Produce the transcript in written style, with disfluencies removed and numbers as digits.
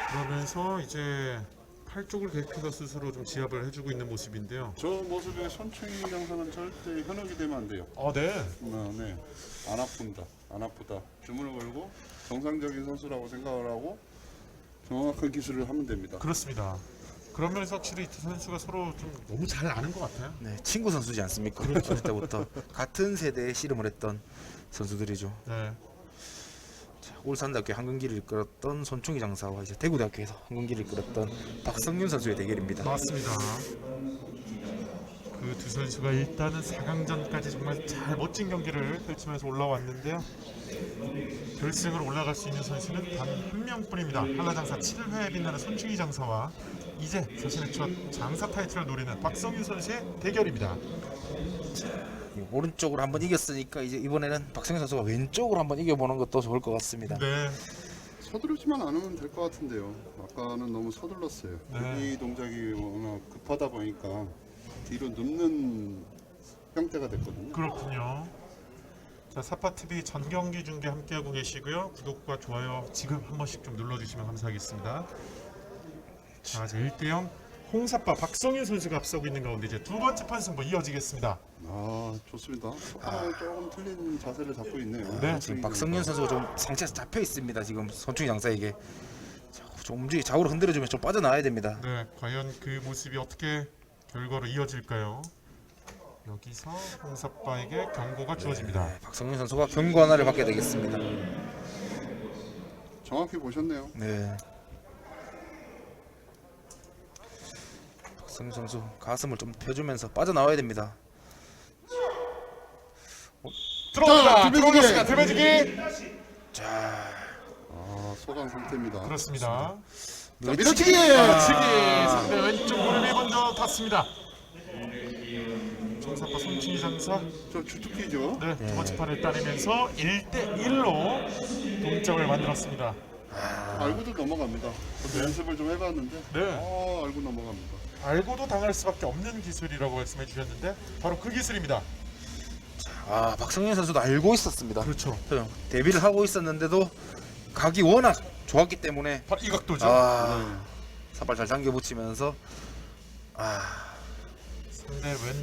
그러면서 이제 팔 쪽을 계속해서 스스로 좀 지압을 해주고 있는 모습인데요. 저 모습에 손충희 장사는 절대 현혹이 되면 안 돼요. 네. 네. 안 아픈다. 안 아프다. 주문을 걸고 정상적인 선수라고 생각을 하고 정확한 기술을 하면 됩니다. 그렇습니다. 그런 면에서 확실히 이 두 선수가 서로 좀 너무 잘 아는 것 같아요. 네, 친구 선수지 않습니까? 어릴 때부터 같은 세대에 씨름을 했던 선수들이죠. 네. 울산대학교 한근기를 이끌었던 손충희 장사와 이제 대구대학교에서 한근기를 이끌었던 박성윤 선수의 대결입니다. 맞습니다. 그 두 선수가 일단은 4강전까지 정말 잘 멋진 경기를 펼치면서 올라왔는데요. 결승으로 올라갈 수 있는 선수는 단 한 명뿐입니다. 한라장사 7회에 빛나는 손충희 장사와 이제 자신의 첫 장사 타이틀을 노리는 박성윤 선수의 대결입니다. 오른쪽으로 한번 이겼으니까 이제 이번에는 박성윤 선수가 왼쪽으로 한번 이겨보는 것도 좋을 것 같습니다. 네. 서두르지만 않으면 될 것 같은데요. 아까는 너무 서둘렀어요. 네. 이 동작이 워낙 급하다 보니까 뒤로 눕는 형태가 됐거든요. 그렇군요. 자, 사파TV 전 경기 중계 함께하고 계시고요. 구독과 좋아요 지금 한 번씩 좀 눌러주시면 감사하겠습니다. 자, 이제 1대0 홍사파 박성윤 선수가 앞서고 있는 가운데 이제 두 번째 판승부 이어지겠습니다. 아, 좋습니다. 첫판은 조금 틀린 자세를 잡고 있네요. 네, 지금 박성윤 선수가 좀 상체에서 잡혀 있습니다. 지금 손충희 장사에게 좀 움직이 좌우로 흔들어주면 좀 빠져나와야 됩니다. 네, 과연 그 모습이 어떻게 결과로 이어질까요? 여기서 홍사파에게 경고가 주어집니다. 네, 박성윤 선수가 경고 하나를 받게 되겠습니다. 정확히 보셨네요. 네. 박성윤 선수 가슴을 좀 펴주면서 빠져나와야 됩니다. 들어옵니다. 들배지기! 들어오겠습니다. 들배지기. 자, 소강 상태입니다. 그렇습니다. 자, 밀어치기! 밀어치기. 상대 왼쪽 무릎이 먼저 닿습니다. 홍사파 손충희 장사. 저 주특기죠. 네, 두 번째 판을 따내면서 1대1로 동점을 만들었습니다. 알고도 넘어갑니다. 저도 연습을 좀 해봤는데 네. 알고 넘어갑니다. 알고도 당할 수밖에 없는 기술이라고 말씀해 주셨는데 바로 그 기술입니다. 박성윤 선수도 알고 있었습니다. 그렇죠. 데뷔를 하고 있었는데도 각이 워낙 좋았기 때문에 바로 이 각도죠. 네. 사발 잘 당겨 붙이면서 상대 왼